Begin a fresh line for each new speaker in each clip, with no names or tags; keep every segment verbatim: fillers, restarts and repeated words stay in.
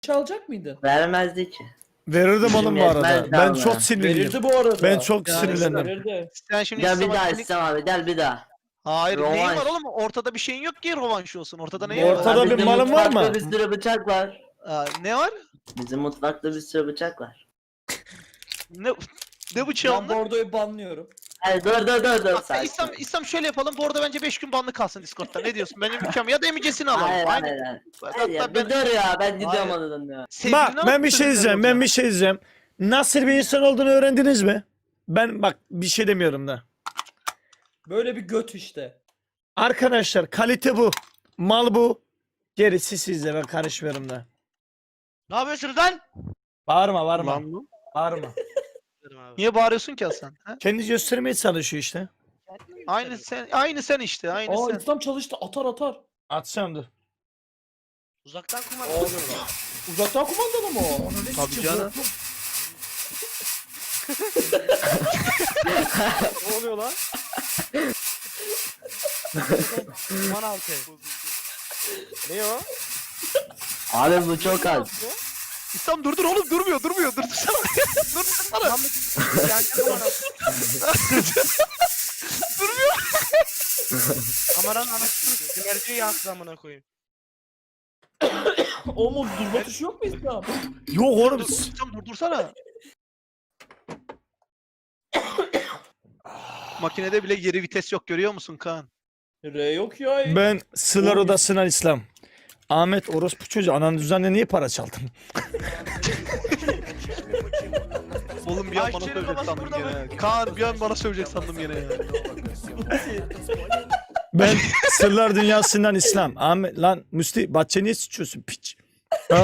çalacak mıydın?
Vermezdi ki.
Verirdim oğlum bu arada.
Yetmez
Ben
ama.
çok sinirliyim.
Verirdi bu arada.
Ben çok
Yani
sinirlendim.
Verirdi.
Sen şimdi
Gel bir
İslam
daha
Hakkı'nı-
İslam abi gel bir daha.
Hayır neyin
Rovanş.
var oğlum? Ortada bir şeyin yok ki rovanş olsun. Ortada neyin
Ortada
var?
bir
Bizim
malın var
mutfakta
mı?
Bir sürü bıçak var.
Aa, ne var?
Bizim mutfakta bir sürü bıçak var.
Ne ne bıçağı
Ben
onlar?
bordoyu banlıyorum.
Hadi dur dur dur dur.
Bak,
sakin.
İslam, İslam şöyle yapalım. Bu arada bence beş gün banlı kalsın Discord'da. Ne diyorsun? Benim ülkem ya da emicesini alalım.
Hayır
Aynen.
hayır hayır.
Hatta
Hayır ya,
ben-
bir dur ya ben gidiyorum
Hayır.
odadan ya.
Sevgilini
Bak ben
alıp
bir şey
sözünü
diyeceğim. Ben
alacağım.
bir şey diyeceğim. Nasıl bir insan olduğunu öğrendiniz mi? Ben bak bir şey demiyorum da.
Böyle bir göt işte.
Arkadaşlar kalite bu. Mal bu. Gerisi sizde, ben karışmıyorum da.
Ne yapıyorsunuz lan?
Bağırma bağırma.
Lan bu.
Bağırma.
Niye bağırıyorsun ki Hasan? Ha?
Kendi göstermeye çalışıyor işte.
Aynı sen, aynı sen işte, aynı
Aa
sen.
İslam çalıştı. Atar atar.
Atacağım dur.
Uzaktan kumanda.
Aa, Uzaktan kumandalı mı o?
Tabii canım.
Ne oluyor lan? Kuman altı. Ne o?
Abi bu çok az.
İslam durdur oğlum, durmuyor, durmuyor, durdursana. durdursana.
Yani kuman altı. Kameranın anasını sinerjiyi yansıdı amına koyayım.
O mu? Durma tuşu yok mu İslam?
Yok oğlum.
Dur, İslam durdursana. Makinede bile geri vites yok, görüyor musun Kaan?
R yok ya.
Ben Sılar Odası'ndan İslam. Ahmet orospu çocuğu, ananın düzenle niye para çaldın?
Oğlum bir an bana
Ayşe'nin
sövecek
babası
sandım
burada
gene.
mı?
Kaan bir an bana sövecek sandım gene ya.
Ben Sırlar Dünyası'ndan İslam. Ahmet lan Müsti bahçe niye sıçıyorsun piç? Ha?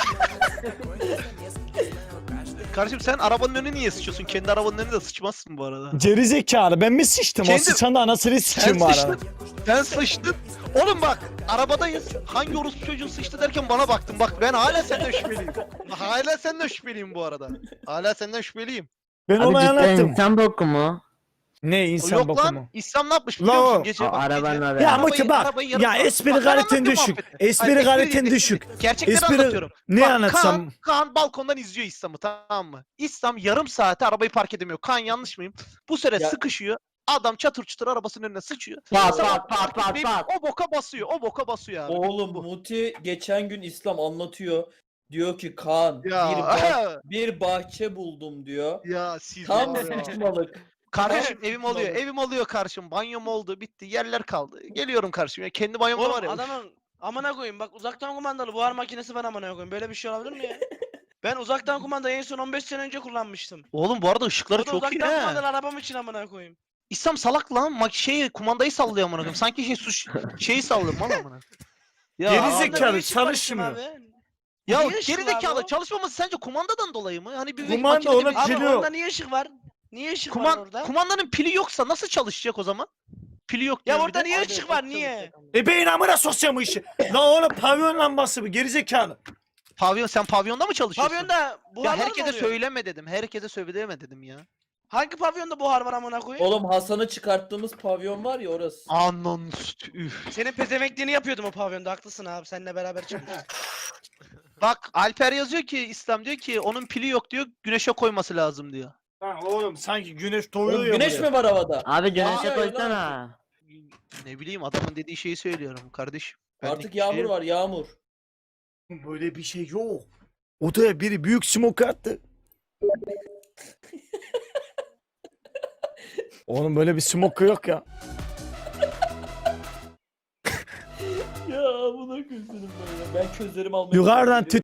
Kardeşim sen arabanın önüne niye sıçıyorsun? Kendi arabanın önüne de sıçmazsın bu arada.
Geri zekalı, ben mi sıçtım?
Kendi-
O sıçan da anasını
Sen
sıçayım bu arada.
sıçtın. Sen sıçtın. Oğlum bak arabadayız. Hangi orospu çocuğun sıçtı derken bana baktın. Bak ben hala senden şüpheliyim. Hala senden şüpheliyim bu arada. Hala senden şüpheliyim.
Ben
Abi
onu
cidden
anlattım.
insan boku mu?
Ne insan
Yok
boku
lan
mu?
İslam ne yapmış
Lan
biliyor musun?
o-
Gece
Aa,
bak
arabanın
gece.
haberi.
Ya
Arabayı-
Muti bak.
arabayı yarım
Ya
saat-
espri
Bak, ben
galetin
anlatıyorum
düşük.
muhabbeti.
Espri
Hayır,
galetin
değil,
düşük.
Gerçekleri
Espri-
anlatıyorum.
Ne
Bak,
anlatsam?
Kaan, Kaan balkondan izliyor İslam'ı, tamam mı? İslam yarım saate arabayı park edemiyor. Kaan yanlış mıyım? Bu süre
Ya-
sıkışıyor. Adam çatır çutur arabasının önüne sıçıyor.
Pat
Sonra
pat pat
park
pat
etmeyip
pat.
O boka basıyor. O boka basıyor abi.
Oğlum Muti geçen gün İslam anlatıyor. Diyor ki Kaan
Ya.
bir, bah- bir bahçe buldum diyor.
Ya siz
Tam
var ya.
saçmalık.
Kardeşim
Tam
evim oluyor.
saçmalık.
Evim oluyor karşım. Banyom oldu. Bitti. Yerler kaldı. Geliyorum karşım. Ya kendi banyom da var
Oğlum
ya.
adamın amına koyayım bak uzaktan kumandalı buhar makinesi var amına koyayım. Böyle bir şey olabilir mi ya? Ben uzaktan kumandayı en son on beş sene önce kullanmıştım.
Oğlum bu arada ışıkları
O da
çok iyi
uzaktan
he.
kumandalı arabam için amına koyayım.
İslam salak lan. Mak şeyi kumandayı sallıyor amına koyayım. Sanki şey suç şeyi sallıyor mal amına. Ya,
Geri
Arabamda
zekalı,
bir ışık var
çalışmıyor.
işte abi.
ya
Niye ışık
geri
var
zekalı
bu?
çalışmaması sence kumandadan dolayı mı? Hani bir
Kumanda
makinede
onun
bir-
Abi
Pili yok.
onda niye ışık var? Niye ışık var
Kuman,
orada?
kumandanın pili yoksa nasıl çalışacak o zaman? Pili yok
Ya
diyor bir
orada
de.
niye ışık var niye?
E beyin amına sosyal bu işi. Lan oğlum pavyon lambası bu, geri zekalı.
Pavyon sen pavyonda mı çalışıyorsun?
Pavyonda buhar
Ya
var mı
herkese
oluyor?
söyleme dedim. Herkese söyleme dedim ya.
Hangi pavyonda buhar var amına koyayım?
Oğlum Hasan'ı çıkarttığımız pavyon var ya orası.
Anan üf.
Senin pezemekliğini yapıyordum o pavyonda haklısın abi seninle beraber çıkmıştık.
Bak Alper yazıyor ki İslam diyor ki onun pili yok diyor. Güneşe koyması lazım diyor.
Lan oğlum sanki güneş doğuyor
Oğlum
ya.
güneş
buraya.
mi var havada?
Abi
Aa,
güneşe
öyle
koysana.
Ne bileyim adamın dediği şeyi söylüyorum kardeşim. Benlik
Artık
bir
yağmur
şey yok.
var yağmur.
Böyle bir şey yok. Odaya biri büyük smoke attı. Oğlum böyle bir smoke yok ya.
Ya buna gözlerim böyle. Ben közlerimi almaya
Yukarıdan
gidiyorum.